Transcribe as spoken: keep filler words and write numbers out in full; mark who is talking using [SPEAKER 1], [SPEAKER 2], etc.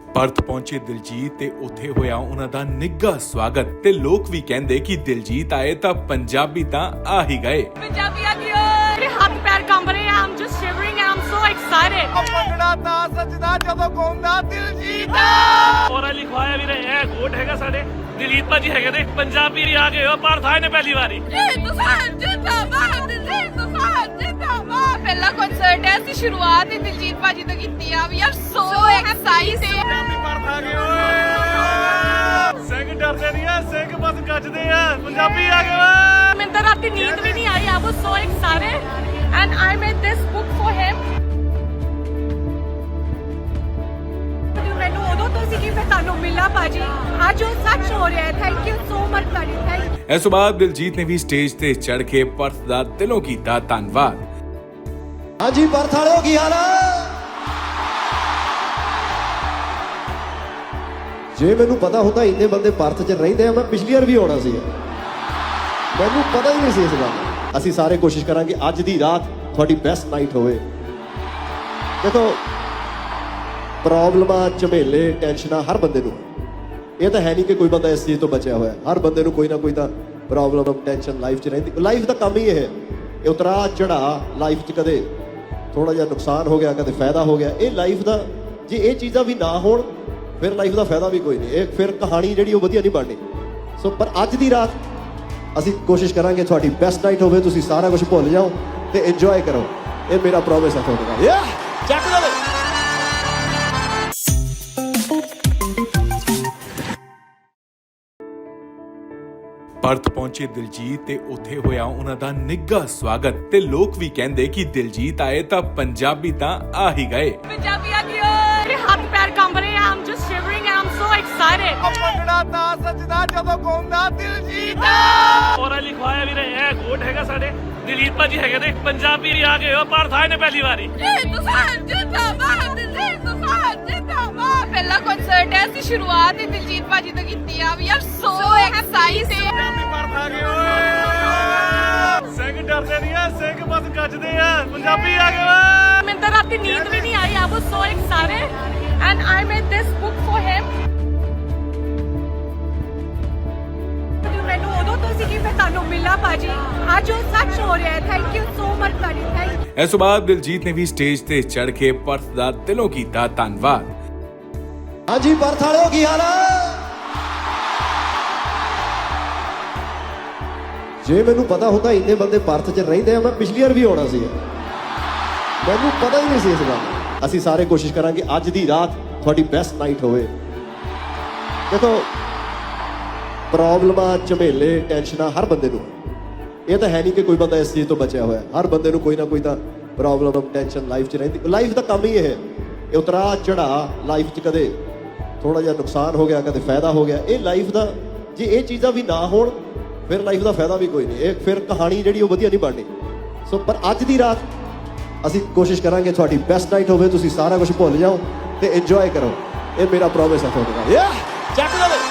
[SPEAKER 1] Perth ਪਹੁੰਚੇ ਦਿਲਜੀਤ ਤੇ ਉੱਥੇ ਹੋਇਆ ਉਹਨਾਂ ਦਾ ਨਿੱਘਾ ਸਵਾਗਤ ਤੇ ਲੋਕ ਵੀ ਕਹਿੰਦੇ ਕਿ ਦਿਲਜੀਤ ਆਏ ਤਾਂ ਪੰਜਾਬੀ ਤਾਂ ਆ ਹੀ ਗਏ।
[SPEAKER 2] ਪੰਜਾਬੀ ਆ ਗਏ ਮੇਰੇ ਹੱਥ ਪੈਰ ਕੰਬ ਰਹੇ ਆ। I'm just shivering and I'm so excited।
[SPEAKER 3] Bhangra ਤਾਂ ਸੱਜਦਾ ਜਦੋਂ ਗਾਉਂਦਾ ਦਿਲਜੀਤ
[SPEAKER 4] ਔਰਾ ਲਿਖਵਾਇਆ ਵੀਰੇ ਇਹ ਗੋਟ ਹੈਗਾ ਸਾਡੇ ਦਿਲੀਪ ਭਾਜੀ ਹੈਗੇ ਨੇ ਪੰਜਾਬੀ ਵੀ ਆ ਗਏ ਹੋ ਪਰ ਥਾਏ ਨੇ ਪਹਿਲੀ ਵਾਰੀ
[SPEAKER 2] ਹਿੰਦੁਸਤਾਨ ਜਿੰਦਾਬਾਦ ਹਿੰਦੁਸਤਾਨ ਜਿੰਦਾਬਾਦ। ਪਹਿਲਾ ਕਨਸਰਟ ਹੈ ਅਸੀਂ ਸ਼ੁਰੂਆਤ ਹੀ ਦਿਲਜੀਤ ਭਾਜੀ ਤੋਂ ਕੀਤੀ ਆ। We are so excited.
[SPEAKER 3] Punjabi Perth ਆ ਗਏ ਓਏ ਸਿੰਘ ਡਰਦੇ ਨਹੀਂ ਆ ਸਿੰਘ ਬਸ ਗੱਜਦੇ ਆ ਪੰਜਾਬੀ ਆ ਗਏ।
[SPEAKER 2] ਮੈਨੂੰ ਤਾਂ ਰਾਤੀ ਨੀਂਦ ਵੀ ਨਹੀਂ ਆਈ। I was so excited and I made this book for him। ਮੈਨੂੰ ਉਦੋਂ ਤੋਂ ਸੀ ਕਿ ਮੈਂ ਤੁਹਾਨੂੰ ਮਿਲਾਂ ਭਾਜੀ। ਅੱਜ ਉਹ ਸੱਚ ਹੋ ਰਿਹਾ ਹੈ। ਥੈਂਕ ਯੂ ਸੋ ਮਚ ਤੁਹਾਡੀ। ਥੈਂਕ
[SPEAKER 1] ਇਸ ਤੋਂ ਬਾਅਦ ਦਿਲਜੀਤ ਨੇ ਵੀ ਸਟੇਜ ਤੇ ਚੜ੍ਹ ਕੇ ਪਰਥ ਦਾ ਦਿਲੋਂ ਕੀਤਾ ਧੰਨਵਾਦ।
[SPEAKER 5] ਹਾਂਜੀ ਪਰਥ ਵਾਲਿਓ ਕੀ ਹਾਲ ਆ? ਜੇ ਮੈਨੂੰ ਪਤਾ ਹੁੰਦਾ ਇੰਨੇ ਬੰਦੇ ਪਰਥ 'ਚ ਰਹਿੰਦੇ ਆ ਮੈਂ ਪਿਛਲੀ ਵਾਰ ਵੀ ਆਉਣਾ ਸੀ। ਮੈਨੂੰ ਪਤਾ ਹੀ ਨਹੀਂ ਸੀ ਇਸ ਗੱਲ। ਅਸੀਂ ਸਾਰੇ ਕੋਸ਼ਿਸ਼ ਕਰਾਂਗੇ ਅੱਜ ਦੀ ਰਾਤ ਤੁਹਾਡੀ ਬੈਸਟ ਨਾਈਟ ਹੋਵੇ। ਦੇਖੋ ਪ੍ਰੋਬਲਮਾਂ ਝਮੇਲੇ ਟੈਨਸ਼ਨਾਂ ਹਰ ਬੰਦੇ ਨੂੰ, ਇਹ ਤਾਂ ਹੈ ਨਹੀਂ ਕਿ ਕੋਈ ਬੰਦਾ ਇਸ ਚੀਜ਼ ਤੋਂ ਬਚਿਆ ਹੋਇਆ। ਹਰ ਬੰਦੇ ਨੂੰ ਕੋਈ ਨਾ ਕੋਈ ਤਾਂ ਪ੍ਰੋਬਲਮ ਟੈਨਸ਼ਨ ਲਾਈਫ 'ਚ ਰਹਿੰਦੀ। ਲਾਈਫ ਦਾ ਕੰਮ ਹੀ ਇਹ ਹੈ, ਇਹ ਉਤਰਾ ਚੜਾ ਲਾਈਫ 'ਚ ਕਦੇ ਥੋੜਾ ਜਿਹਾ ਨੁਕਸਾਨ ਹੋ ਗਿਆ ਕਦੇ ਫਾਇਦਾ ਹੋ ਗਿਆ। ਇਹ ਲਾਈਫ ਦਾ ਜੇ ਇਹ ਚੀਜ਼ਾਂ ਵੀ ਨਾ ਹੋਣ ਫਿਰ ਲਾਈਫ ਦਾ ਫਾਇਦਾ ਵੀ ਕੋਈ ਨਹੀਂ। ਇਹ ਫਿਰ ਕਹਾਣੀ ਜਿਹੜੀ ਉਹ ਵਧੀਆ ਨਹੀਂ ਬਣਨੀ। ਸੋ ਪਰ ਅੱਜ ਦੀ ਰਾਤ ਅਸੀਂ ਕੋਸ਼ਿਸ਼ ਕਰਾਂਗੇ ਤੁਹਾਡੀ ਬੈਸਟ ਨਾਈਟ ਹੋਵੇ। ਤੁਸੀਂ ਸਾਰਾ ਕੁਝ ਭੁੱਲ ਜਾਓ ਤੇ ਇੰਜੋਏ ਕਰੋ। ਇਹ ਮੇਰਾ ਪ੍ਰੋਮਿਸ ਹੈ ਤੁਹਾਡੇ ਨਾਲ। ਯਾ ਚੱਕ ਲਓ।
[SPEAKER 1] ਪਰਥ ਪਹੁੰਚੇ ਦਿਲਜੀਤ ਤੇ ਉੱਥੇ ਹੋਇਆ ਉਹਨਾਂ ਦਾ ਨਿੱਘਾ ਸਵਾਗਤ ਤੇ ਲੋਕ ਵੀ ਕਹਿੰਦੇ ਕਿ ਦਿਲਜੀਤ ਆਏ ਤਾਂ ਪੰਜਾਬੀ ਤਾਂ ਆ ਹੀ ਗਏ।
[SPEAKER 2] ਪੰਜਾਬੀ ਆ ਗਏ ਮੇਰੇ ਹੱਥ ਪੈਰ ਕੰਬ ਰਹੇ ਆ। I'm just shivering and I'm so excited।
[SPEAKER 3] Bhangra ਤਾਂ ਸੱਜਦਾ ਜਦੋਂ ਗਾਉਂਦਾ ਦਿਲਜੀਤ
[SPEAKER 4] ਔਰਾ ਲਿਖਵਾਇਆ ਵੀਰੇ ਇਹ ਗੋਟ ਹੈਗਾ ਸਾਡੇ ਦਿਲੀਪ ਭਾਜੀ ਹੈਗੇ ਨੇ ਪੰਜਾਬੀ ਵੀ ਆ ਗਏ ਹੋ ਪਰ ਥਾਏ ਨੇ ਪਹਿਲੀ ਵਾਰੀ
[SPEAKER 2] ਹਿੰਦੁਸਤਾਨ ਜਿੰਦਾਬਾਦ ਹਿੰਦੁਸਤਾਨ ਜਿੰਦਾਬਾਦ। ਪਹਿਲਾ ਕਨਸਰਟ ਹੈ ਅਸੀਂ ਸ਼ੁਰੂਆਤ ਹੀ ਦਿਲਜੀਤ ਭਾਜੀ ਤੋਂ ਕੀਤੀ ਆ। We are so excited.
[SPEAKER 3] Punjabi Perth ਆ ਗਏ ਓਏ ਸਿੰਘ ਡਰਦੇ ਨਹੀਂ ਆ ਸਿੰਘ ਬਸ ਗੱਜਦੇ ਆ ਪੰਜਾਬੀ ਆ ਗਏ।
[SPEAKER 2] ਮੈਨੂੰ ਤਾਂ ਰਾਤੀ ਨੀਂਦ ਵੀ ਨਹੀਂ ਆਈ। I was so excited and I made this book for him। ਮੈਨੂੰ ਉਦੋਂ ਤੋਂ ਸੀ ਕਿ ਮੈਂ ਤੁਹਾਨੂੰ ਮਿਲਾਂ ਭਾਜੀ। ਅੱਜ ਉਹ ਸੱਚ ਹੋ ਰਿਹਾ ਹੈ। ਥੈਂਕ ਯੂ ਸੋ ਮਚ ਤੁਹਾਡੀ। ਥੈਂਕ
[SPEAKER 1] ਇਸ ਤੋਂ ਬਾਅਦ ਦਿਲਜੀਤ ਨੇ ਵੀ ਸਟੇਜ ਤੇ ਚੜ੍ਹ ਕੇ ਪਰਥ ਦਾ ਦਿਲੋਂ ਕੀਤਾ ਧੰਨਵਾਦ।
[SPEAKER 5] ਹਾਂਜੀ ਪਰਥ ਵਾਲਿਓ ਕੀ ਹਾਲ ਆ? ਜੇ ਮੈਨੂੰ ਪਤਾ ਹੁੰਦਾ ਇੰਨੇ ਬੰਦੇ ਪਰਥ 'ਚ ਰਹਿੰਦੇ ਆ ਮੈਂ ਪਿਛਲੀ ਵਾਰ ਵੀ ਆਉਣਾ ਸੀ। ਮੈਨੂੰ ਪਤਾ ਹੀ ਨਹੀਂ ਸੀ ਇਸ ਗੱਲ। ਅਸੀਂ ਸਾਰੇ ਕੋਸ਼ਿਸ਼ ਕਰਾਂਗੇ ਅੱਜ ਦੀ ਰਾਤ ਤੁਹਾਡੀ ਬੈਸਟ ਨਾਈਟ ਹੋਵੇ। ਦੇਖੋ ਪ੍ਰੋਬਲਮਾਂ ਝਮੇਲੇ ਟੈਨਸ਼ਨਾਂ ਹਰ ਬੰਦੇ ਨੂੰ, ਇਹ ਤਾਂ ਹੈ ਨਹੀਂ ਕਿ ਕੋਈ ਬੰਦਾ ਇਸ ਚੀਜ਼ ਤੋਂ ਬਚਿਆ ਹੋਇਆ। ਹਰ ਬੰਦੇ ਨੂੰ ਕੋਈ ਨਾ ਕੋਈ ਤਾਂ ਪ੍ਰੋਬਲਮ ਟੈਨਸ਼ਨ ਲਾਈਫ 'ਚ ਰਹਿੰਦੀ। ਲਾਈਫ ਦਾ ਕੰਮ ਹੀ ਇਹ ਹੈ, ਇਹ ਉਤਰਾ ਚੜਾ ਲਾਈਫ 'ਚ ਕਦੇ ਥੋੜਾ ਜਿਹਾ ਨੁਕਸਾਨ ਹੋ ਗਿਆ ਕਦੇ ਫਾਇਦਾ ਹੋ ਗਿਆ। ਇਹ ਲਾਈਫ ਦਾ ਜੇ ਇਹ ਚੀਜ਼ਾਂ ਵੀ ਨਾ ਹੋਣ ਫਿਰ ਲਾਈਫ ਦਾ ਫਾਇਦਾ ਵੀ ਕੋਈ ਨਹੀਂ। ਇਹ ਫਿਰ ਕਹਾਣੀ ਜਿਹੜੀ ਉਹ ਵਧੀਆ ਨਹੀਂ ਬਣਨੀ। ਸੋ ਪਰ ਅੱਜ ਦੀ ਰਾਤ ਅਸੀਂ ਕੋਸ਼ਿਸ਼ ਕਰਾਂਗੇ ਤੁਹਾਡੀ ਬੈਸਟ ਨਾਈਟ ਹੋਵੇ। ਤੁਸੀਂ ਸਾਰਾ ਕੁਝ ਭੁੱਲ ਜਾਓ ਤੇ ਇੰਜੋਏ ਕਰੋ। ਇਹ ਮੇਰਾ ਪ੍ਰੋਮਿਸ ਹੈ ਤੁਹਾਡੇ ਨਾਲ। ਯਾ ਚੱਕ ਲਓ।